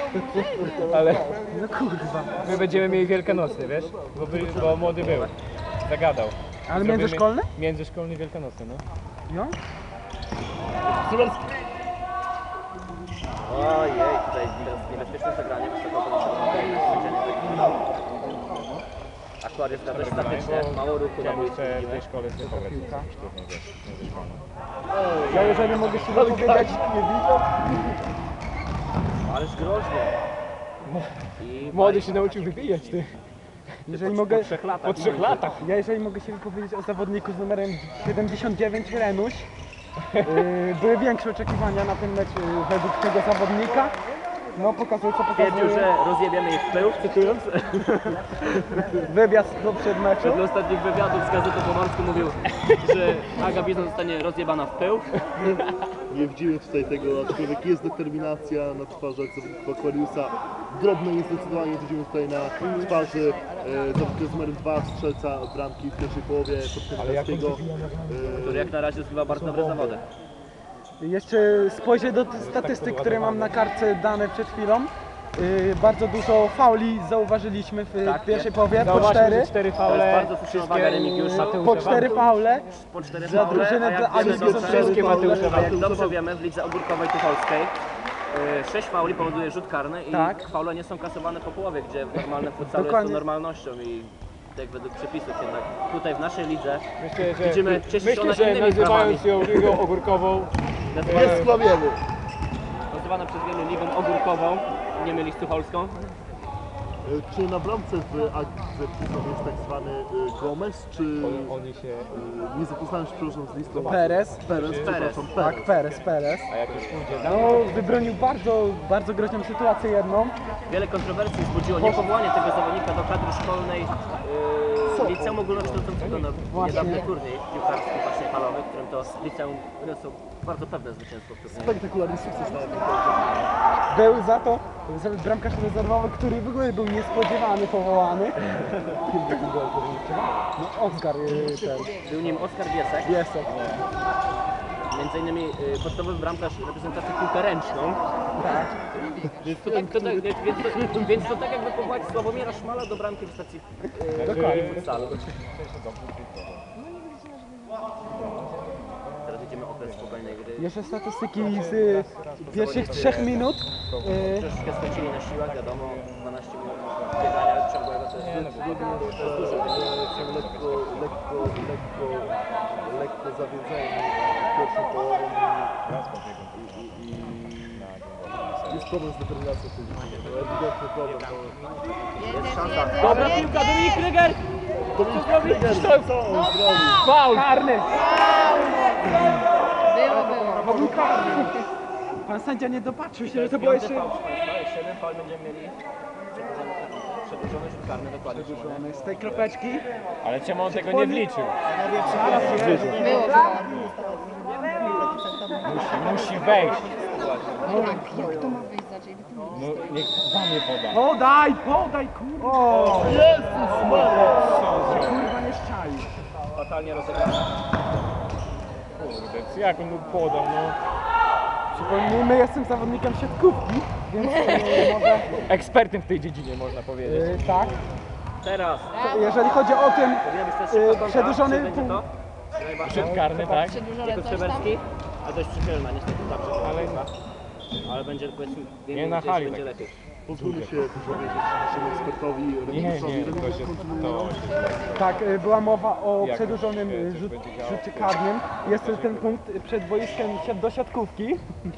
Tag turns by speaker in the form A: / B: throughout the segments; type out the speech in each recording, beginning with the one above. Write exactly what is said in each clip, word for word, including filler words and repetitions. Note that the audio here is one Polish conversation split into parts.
A: Ale
B: No kurwa.
A: my będziemy mieli Wielkanocny, wiesz? Bo, by, bo młody był. Zagadał.
B: Ale
A: Zrobimy
B: międzyszkolny?
A: Międzyszkolny Wielkanocny, no.
B: Jo?
C: Ojej, tutaj niebezpieczne zagranie, wysoko podniesione. Akurat jest dość statycznie, mało ruchu na
A: Chciałem
C: boisku
A: jeszcze w
C: widzimy.
A: tej szkole sobie pograć sztucznie, wiesz, międzyszkolną.
B: Ja jeżeli mogę się wypowiedzieć, nie widzę.
C: Ależ groźnie. I
A: Młody się nauczył wybijać, ty.
B: Jeżeli mogę,
C: po trzech latach.
A: Po trzech latach.
B: ja jeżeli mogę się wypowiedzieć o zawodniku z numerem siedemdziesiąt dziewięć, Renuś. Yy, były większe oczekiwania na ten mecz yy, według tego zawodnika. No pokazuje co
C: Twierdził,
B: pokazuje.
C: że rozjebiemy ich w pył, cytując.
B: Wywiad do przed meczu.
C: Wedle ostatnich wywiadów z Gazetą Pomorską mówił, że Aga Bizon zostanie rozjebana w pył.
D: Nie widzimy tutaj tego, aczkolwiek jest determinacja na twarzach zawodników Aquariusa. Drobno jest zdecydowanie, widzimy tutaj na twarzy e, zawodnika z numerem dwa, strzelca bramki w pierwszej połowie Podkreślowskiego.
C: Który jak na razie zgrywa bardzo dobre zawody.
B: Jeszcze spojrzę do tych statystyk, które mam na kartce dane przed chwilą. Yy, bardzo dużo fauli zauważyliśmy w
C: Tak,
B: pierwszej
C: jest.
B: połowie, po
A: Zauważmy,
B: cztery.
A: że cztery
C: To
A: faule.
C: jest bardzo słuszna uwaga Remigiusza.
B: Po cztery faule.
C: Po cztery
B: Za
C: faule,
B: drużynę
C: a jak
B: dla
C: wiemy
B: Agi
C: dobrze,
A: wszystkie Mateusza
C: a jak dobrze wiemy, w lidze ogórkowej tucholskiej yy, sześć fauli powoduje rzut karny i
B: Tak.
C: faule nie są kasowane po połowie, gdzie w normalnym futsalu jest
B: Dokładnie.
C: to normalnością i tak według przepisów jednak tutaj w naszej lidze
A: Myślę, że,
C: widzimy, cieszy się
A: myślę,
C: ona
A: że
C: innymi
A: nazywając
C: prawami.
A: ją ligą ogórkową,
D: Nie skłamiemy.
C: Nazywana przez wielu ligą ogórkową, nie mylić z tucholską.
D: E, Czy na bramce w Agdze jest tak zwany e, Gomez, czy
A: oni się...
D: e, nie zapoznałem się przepraszam z listą?
B: Perez.
D: Perez, przepraszam,
B: Tak,
D: Perez.
B: Perez, Perez.
A: A jak już pójdzie tam,
B: No, wybronił bardzo, bardzo groźną sytuację jedną.
C: Wiele kontrowersji wzbudziło niepowołanie tego zawodnika do kadry szkolnej yy, liceum ogólnokształcącego na niedawny turniej piłkarski właśnie halowy, w którym to liceum wyniosło bardzo pewne zwycięstwo w turnieju.
D: Spektakularny sukces na tym.
B: Był za to za bramkarz rezerwowy, który w ogóle był niespodziewany, powołany. No, Oskar yy, ten.
C: Był nim Oskar Biesek,
B: Jest.
C: między innymi yy, podstawowy bramkarz reprezentujący piłkę ręczną.
B: Tak.
C: Więc to, tak, to, tak- więc, to, więc to tak jakby powołać Sławomira Szmala do bramki w stacji yy,
B: Dokładnie.
C: futsalu. Teraz idziemy okres spokojnej gry.
B: Jeszcze statystyki z y, pierwszych trzech minut. Y,
C: Troszeczkę stracili na siłach, wiadomo, dwanaście minut biegania ciągłego to jest dużo.
D: Lekko, lekko, lekko, lekko zawiedzeni pierwszą połową i, i, i jest problem z determinacją w tej dziedzinie. To ewidentny problem. To
C: Jest szansa. Dobra piłka, Dominik Kryger!
D: Dominik Kryger, co on zrobił?
A: faul!
B: karny!
E: Było, było.
B: To był karny. Pan sędzia nie dopatrzył się, że to było jeszcze...
C: Jeszcze jeden faul będziemy mieli. Przedłużony rzut karny, dokładnie.
B: Z tej kropeczki.
A: Ale czemu on tego nie wliczył?
E: Było,
A: Musi, musi wejść.
E: Jak, jak to ma wyjść za J B?
A: No niech za mnie poda.
B: Podaj, podaj, kurwa! O,
D: Jezus Maria!
B: kurwa nie szczali.
C: Fatalnie rozegrany.
A: Kurde, jak on mu podał, no.
B: Przypomnijmy, jestem zawodnikiem siatkówki, więc y, może...
A: Ekspertem w tej dziedzinie, można powiedzieć.
B: Y, tak.
C: Teraz.
B: Jeżeli chodzi o tym,
C: Powinien być też
B: y,
C: szybka kontra.
B: przedłużony
C: Czy będzie
B: punkt...
C: to?
A: Rzut karny, tak?
E: Przedłużone
C: Jako
E: coś tam.
C: Trzeberski, a dość przychylna, niestety tak, że
A: Ale
C: ale będzie powiedzmy, wiemy,
A: Nie na
C: gdzieś
A: hali
C: będzie
A: tak.
C: lepiej.
D: Pozwólmy się powiedzieć naszemu ekspertowi
A: nie,
D: Remigiuszowi.
A: nie, to
D: Remigiusz
A: się...
D: kontynuuje.
A: To...
B: Tak, y, była mowa o
A: Jak
B: przedłużonym
A: się
B: y,
A: coś
B: rzut,
A: będzie działo?
B: rzucie karnym. Jest to ten punkt y, przed boiskiem siat do siatkówki.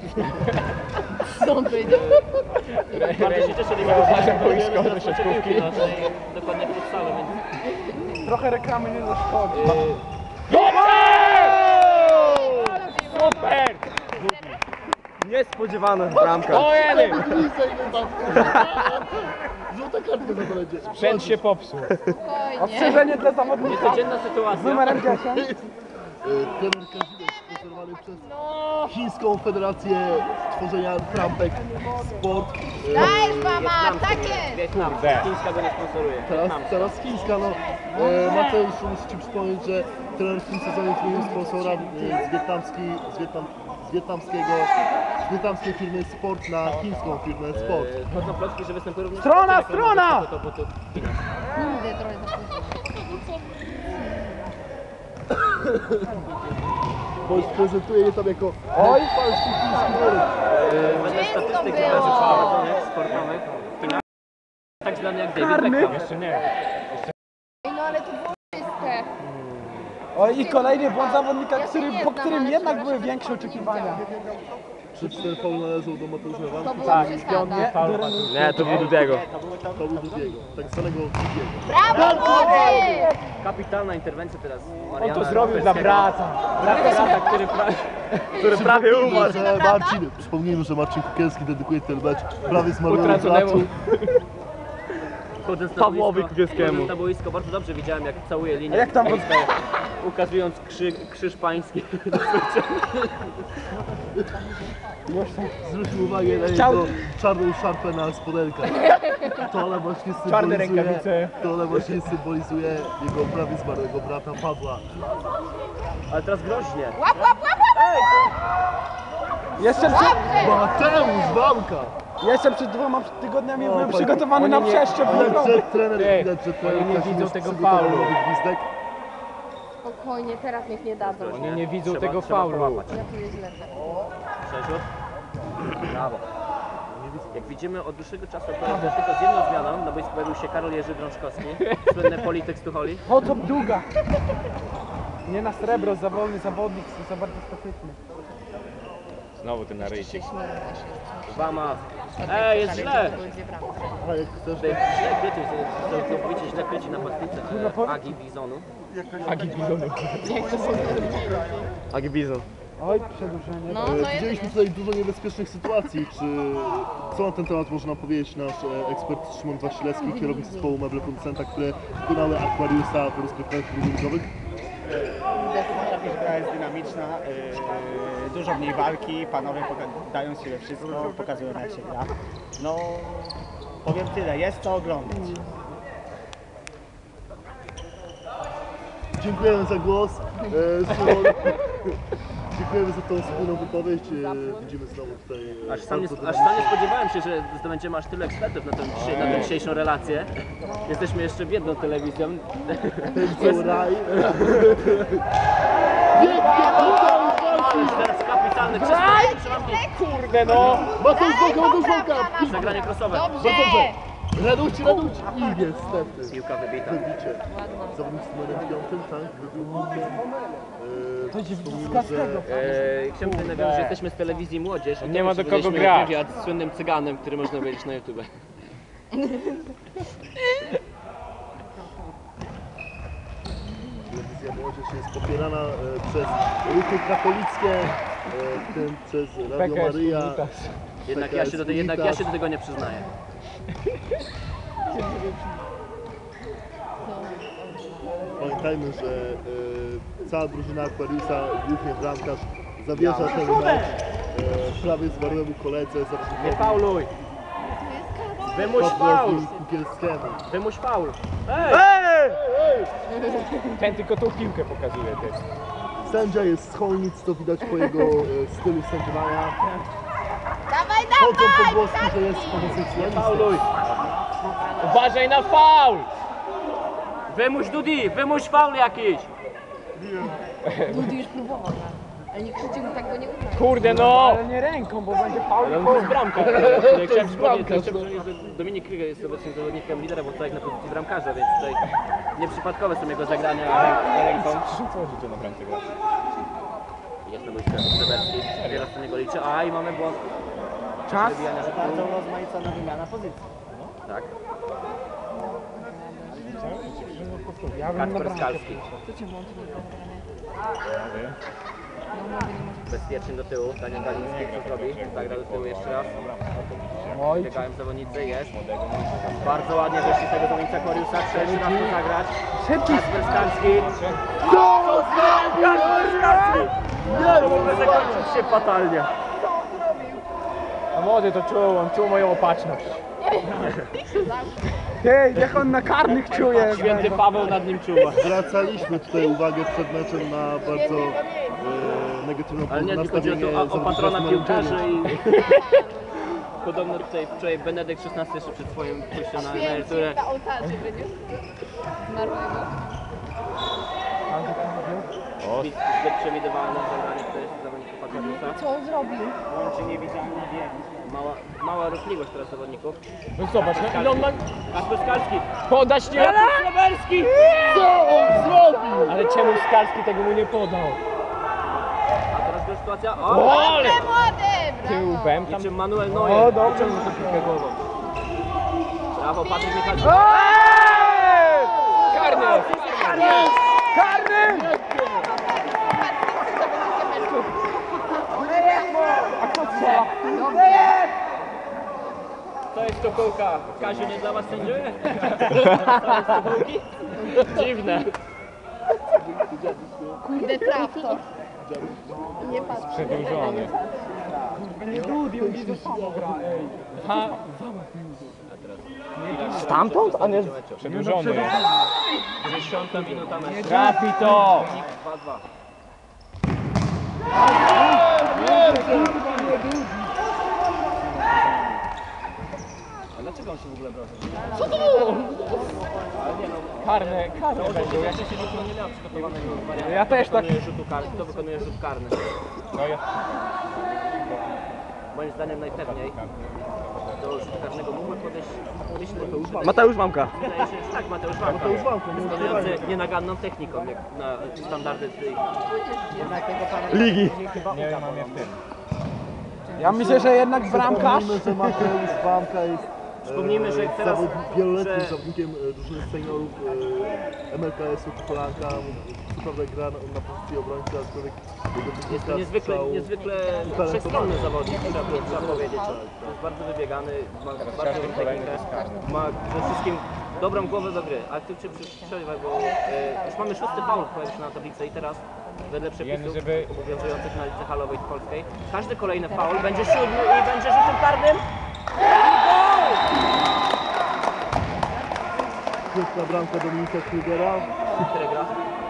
E: Stąd wyjdzie.
C: Bardzo się cieszę,
A: Uważam,
C: że
A: boisko do
C: nie
A: siatkówki.
C: dokładnie w futsalu, więc
B: Trochę reklamy nie zaszkodzi.
A: Super!
C: niespodziewana bramka.
A: O jeden!
D: Żółta kartka za to będzie.
A: Sprzęt się popsuł.
E: Spokojnie.
B: Ostrzeżenie dla zawodnika
C: Niecodzienna
B: z
C: sytuacja.
B: numerem dziesięć.
D: E, Trener Kazimierz sponsorowany przez Chińską Federację Tworzenia Trampek Sport. E,
E: Dajesz mama, tak jest.
C: Wietnam,
A: Kurde.
C: Chińska go nie sponsoruje.
D: Teraz,
C: Wietnam.
D: teraz chińska, no. E, Mateusz, muszę Ci przypomnieć, że trener w tym sezonie zmienił sponsora e, z, wietnamski, z, wietnam, z wietnamskiego z wietnamskiej firmy Sport na chińską firmę Sport.
C: Eee, Chodzą plotki, że występuje również...
B: Strona, strona!
C: To butów w Chinach.
E: Kurde, trochę za późno.
D: Bo prezentuje je tam jako oj, falszy chiński worek.
C: Wedle
E: Czysto
C: statystyk
E: było.
C: imprez prowadzonych sportowych w Chinach, tak zwany jak David
B: Karny.
C: Beckham.
A: Jeszcze nie.
E: Ej, no ale to było czyste.
B: Oj, i kolejny błąd zawodnika,
E: Ja się
B: który,
E: nie
B: po
E: znam,
B: którym
E: ale
B: jednak
E: się
B: były
E: właśnie
B: większe oczekiwania.
D: Czy ten faul należał do Mateusza
E: To
D: Wanki?
E: było
A: Tak,
E: przesada.
A: Nie, to był Dudiego.
D: To był Dudiego, tak zwanego Dudiego.
E: Brawo, młody!
C: Kapitalna interwencja teraz
A: On
C: Mariana
A: to zrobił dla
C: Rafalskiego.
A: brata. Brata, brata, który, pra... który prawie umarł.
D: Że Marcin, przypomnijmy, że Marcin Kukielski dedykuje ten mecz prawie zmarłemu
A: Utraconemu.
D: graczu.
C: Wchodząc na
A: Pawłowi
C: boisko,
A: Kukielskiemu.
C: wchodząc na boisko, bardzo dobrze widziałem, jak całuje linię.
B: A jak tam
C: boiska, ukazując krzy, krzyż pański.
D: Zwróćmy uwagę na
B: Chciał-
D: jego czarną szarpę na spodenkach. To ona właśnie
A: Czarne
D: symbolizuje,
A: rękawice.
D: to ona właśnie symbolizuje jego prawie zmarłego brata Pawła.
C: Ale teraz groźnie.
E: Łap, łap, łap, łap!
B: Jeszcze przed,
D: Mateusz Wanka!
B: jeszcze przed dwoma tygodniami
D: O,
B: byłem
D: pan-
B: przygotowany
A: oni
B: na
A: nie-
B: przeszczep.
D: Widać, że trener,
A: Ej,
D: widać, że trener
A: oni nie
D: Kazimierz
A: widzą tego
D: przygotował
A: faulu.
D: nowy gwizdek.
E: Spokojnie, teraz niech nie dadzą.
A: Oni nie widzą
C: Trzeba-
A: tego
C: trzeba
A: faulu.
C: połapać.
E: Ja tu jest źle.
C: Przerzut. Brawo. Jak widzimy, od dłuższego czasu opowiada tylko z jedną zmianą, no bo pojawił się Karol Jerzy Drążkowski, słynny polityk z Tucholi.
B: O, to długa. Nie na srebro, za wolny zawodnik, za bardzo statyczny.
A: Znowu ten naryjcie.
C: Wama. Ej, jest źle!
D: A jak chcesz,
C: Tutaj źle kryci, to całkowicie źle kryci napastnicy e, Agi Bizonu.
A: Agi Bizonu. Agi Bizon.
B: Oj, przedłużenie.
E: No,
D: E,
E: no jest,
D: Widzieliśmy
E: jest.
D: tutaj dużo niebezpiecznych sytuacji. Czy co na ten temat może nam powiedzieć nasz e, ekspert Szymon Wasilewski, kierownik zespołu Meble Producenta, które wykonały Aquariusa w rozgrywkach drużynowych?
F: Gra jest dynamiczna, yy, dużo mniej walki, panowie poka- dają się we wszystko, pokazują jak się gra. No, powiem tyle, jest co oglądać.
D: Dziękujemy za głos. E, Szymon, dziękujemy za tą wspólną wypowiedź. E, widzimy znowu tutaj. e,
C: Aż sam, nie,
D: bardzo
C: aż sam nie spodziewałem się, że zdobędziemy aż tyle ekspertów na, tę dzisiaj, na tę dzisiejszą relację. Jesteśmy jeszcze biedną telewizją.
D: Ten raj.
C: Ale teraz kapitalny czysto.
A: Kurde no!
D: Mateusz Wanka, Mateusz Wanka!
C: Zagranie crossowe.
E: Dobrze!
D: Dobrze! Raduć, raduć! I niestety.
C: Piłka wybita.
D: Wybicie. Zawodnik z numerem piątym, tak? Wybił piłkę. E,
B: To dziś
D: wspomnijmy,
B: z tego.
C: Eee, chciałbym tutaj nawiązać, że jesteśmy z telewizji Młodzież. i
A: Nie ma do kogo
C: przeprowadziliśmy
A: grać.
C: wywiad z słynnym cyganem, który można obejrzeć na YouTube.
D: Telewizja Młodzież jest popierana e, przez ruchy katolickie, e, w tym przez Radio
A: P K S
D: Maryja.
A: Unitas.
C: Jednak ja się do, te, jednak ja się do tego nie przyznaję.
D: Pamiętajmy, że e, cała drużyna Aquariusa, głównie bramkarz, zawierza ten mecz e, prawie zmarłemu koledze,
C: Nie
D: zawodnikowi
C: fauluj! Wymuś faul!
D: Pawłowi Kukielskiemu.
C: Wymuś faul! Ej!
A: Ten tylko tą piłkę pokazuje też.
D: Sędzia jest z Chojnic, to widać po jego e, stylu sędziowania.
E: Dawaj,
D: Chodzą
E: dawaj!
D: pogłoski, że jest homoseksualistą.
C: Fauluj!
A: Uważaj na faul!
C: Wymuś Dudi! Wymuś faul jakiś!
E: Dudy już próbował, tak. ale nie chcecie mu tak go nie uznać.
A: Kurde no!
B: Ale nie ręką, bo będzie faul.
C: Ale on to jest bramka. Tutaj chciałem przypomnieć, chciałem przypomnieć, że Dominik Kryger jest obecnym zawodnikiem lidera, bo tutaj na pozycji bramkarza, więc tutaj nieprzypadkowe są jego zagrania ręką.
A: Co życie na bramce gra?
C: Jest na boisku Zeberski, wiele z niego liczy. A i mamy błąd.
B: Czas.
C: Wybijania rzutu.
F: Bardzo rozmaicona wymiana pozycji.
C: Tak.
B: Ja bym na
C: Kacper
B: bramkę.
C: Skalski.
E: To cię włączy nie zagranie. No mówię, nie może.
C: Bezpiecznie do tyłu. Daniel Galiński co zrobi? Zagra do tyłu jeszcze raz.
B: Oj,
C: Biegają zawodnicy, jest. Bardzo ładnie wyszli z tego zawodnika Aquariusa. Trzeci raz to zagrać.
B: szybki.
C: Kacper Skalski. Kacper Skalski! To mogę zakończyć się fatalnie.
A: A młody to czuł, on czuł moją opatrzność.
B: Hej, jak on na karnych czuje.
C: Święty Paweł nad nim czuwa.
D: Zwracaliśmy tutaj uwagę przed meczem na bardzo e, negatywne
C: Ale nie, tylko chodzi o,
D: nastawienie
C: to, o, o
D: zawodników
C: patrona
D: na
C: piłkarzy
D: uczenie.
C: i... Podobno tutaj wczoraj Benedykt szesnasty jeszcze przed swoim pójściem na emeryturę.
E: na ołtarzu będziesz zmarłego.
C: Zbyt zbyt przewidywalne zagranie tutaj zawodników Akadiusa.
E: Co on zrobił?
F: Łączy niewidzialny wiem.
C: Mała, mała ruchliwość teraz zawodników.
A: No zobacz, no, ile on ma...
C: Kasper Skalski.
A: Podać nie...
C: Lewerski!
D: Co on zrobił?
A: Ale czemu Skalski tego mu nie podał?
C: A teraz ta sytuacja. O!
A: Ale!
E: Młody,
A: Tył
E: brawo!
A: bem tam...
C: Niczym Manuel Neuer.
A: O, dobrze.
C: Wyciągnął tę piłkę głową. Brawo, Patryk Michalczyk.
A: Karny! Karny!
B: A kto strzela?
C: To jest kokołka. Kaziu, nie dla was sędziuje? To jest kokołki? Dziwne.
E: Kurde, traf to. Nie patrz.
A: Przedłużony.
B: Nie Dudi, on widzę samo gra, ej.
A: Ha,
B: Stamtąd? A nie...
A: przedłużony jest.
C: dziesiąta minuta meczu.
A: Trafi to!
C: dwa dwa. A dlaczego on się w ogóle brał?
A: Karny, karny będą.
C: Ja się nikogo nie miał przygotowanego wariantu.
A: Ja też tak.
C: Wykonuje rzutu karny. Kto wykonuje rzut karny?
A: No ja...
C: Moim zdaniem najpewniej do rzutu karnego mógłby podejść Mateusz Wamka.
B: Mateusz Mamka.
C: Wydaje się, że tak, Mateusz Wamka.
D: Mateusz Wamka, nie
C: Wykonujący
D: ukrywajmy.
C: nienaganną techniką, jak na standardy tej...
B: Ligi.
A: Nie mam je w tym.
B: Ja myślę, że jednak bramkarz.
D: Przypomnijmy, że Mateusz Wamka jest
C: Przypomnijmy, że
D: e,
C: teraz-
D: zawod, wieloletnim
C: że-
D: zawodnikiem e, drużyny seniorów e, M L K S-u Kolanka. Co prawda gra na, na pozycji obrońcy, aczkolwiek jego
C: Jest to
D: technika
C: niezwykle,
D: strzału-
C: niezwykle wszechstronny zawodnik, trzeba, trzeba powiedzieć. Jest bardzo wybiegany, ma bardzo
A: każdy
C: dobrą
A: kolejny
C: technikę,
A: jest karny.
C: ma przede wszystkim dobrą głowę do gry. Ale tu cię przerwę, bo e, już mamy szósty faul, pojawił się na tablicy i teraz wedle przepisów
A: żeby-
C: obowiązujących na lidze halowej polskiej, każdy kolejny faul będzie siódmy i będzie rzutem karnym.
D: Piękna bramka Dominika Krugera.
C: Który gra?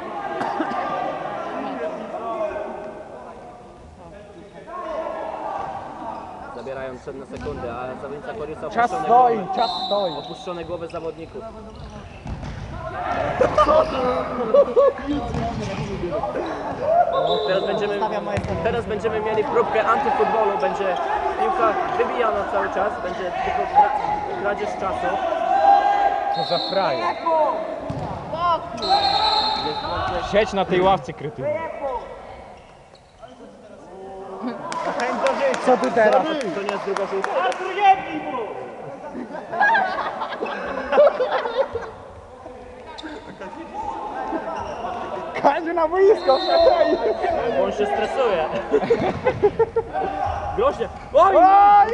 C: Zabierają cenne sekundy, a zawodnica Koriusa
B: Czas
C: opuszczone
B: stoi,
C: głowy,
B: czas stoi.
C: opuszczone głowy zawodników. Teraz będziemy, teraz będziemy mieli próbkę antyfutbolu, będzie piłka wybijana cały czas, będzie tylko kra, kradzież czasu.
A: Co za frajer.
C: Jest wątple-
A: Siedź na tej ławce, krytyny.
B: Co ty teraz?
C: To nie jest druga żółta.
B: Kaziu na boisko, szakaj!
C: Bo on się stresuje. Groźnie. Oj!
B: Oj!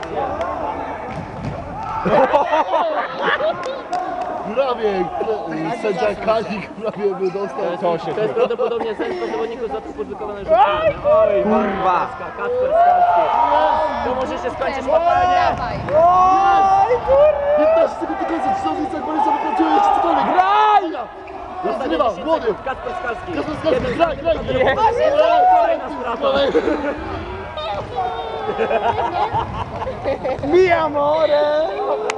D: Prawie e, sędzia Kazik prawie by dostał.
A: To się
C: To jest prawdopodobnie zemsta zawodników za to publikowane rzut karny. Oj, kurwa! Kacper Skalski. To może się skończyć fatalnie.
E: Dawaj.
B: Oj, kurwa!
D: piętnaście sekund do końca, czy sądzisz, jak Borysa wypracuje jeszcze cokolwiek? Graj! Rozgrywa, młody!
C: Kacper Skalski.
D: Kacper Skalski, graj, graj!
C: Kolejna strata.
B: Mi amore!